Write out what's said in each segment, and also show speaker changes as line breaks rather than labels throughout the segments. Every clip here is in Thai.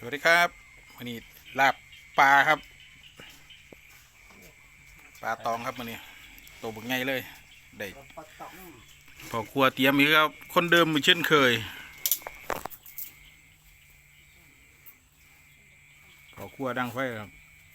วัสดีครับวันนี้ลาบปลาครับปลาตองครับวันนี้ตัวบึกไงเลยได้พอครัวเตรียมอีกครับคนเดิมเหมือนเช่นเคยพอครัวดังไฟครับ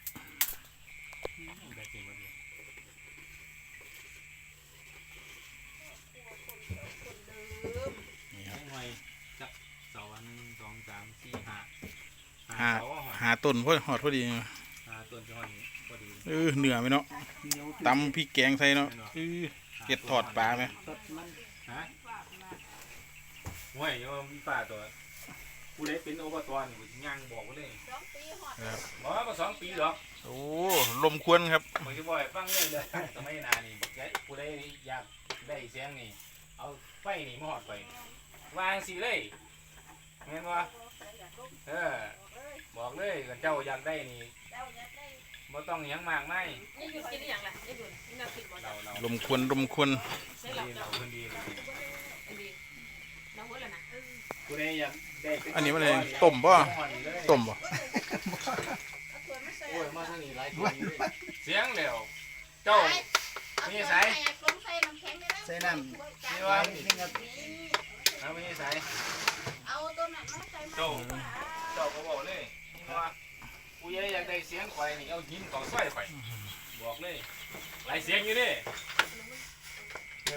นี่ครับ
เสาอันสองสามสี่
หาหาต้นพอหอดพอดี
ต้นจะหอดนี้พอดี
เหนือไหมเนาะตำพริกแกงใส่เนาะเก็ดถอดปลาไหม
ฮะห่วยยังมีป่าตัวผู้ใดเป็นอบตนี่ย่างบอกเลยบอกว่า2 ปีหรอก
โอ้ลมควนครับ
ผมจะบอกให้ฟังเลยสมัยนานี่ผู้ใดอยากได้เสียงนี่เอาไฟนี่มอดไปวางสิเลยเห็นว่าบอกเลยเจ้าอยากได้นี่บ่ต้องยังมากไม่
ลมควนลมควนอันนี้มันอะไรต้มป่ะต้มป่ะ
เสียงเร็วเจ้าไม่ใส่
ใส่น้ำ
นี่ว่าเอาไม่ใส่เจ้าก็บอกเลยนี่ว่ากูอยากได้เสียงไฟนี่เอาหินก่อไฟไฟบอกเลยหลายเสียงอยู่ดิ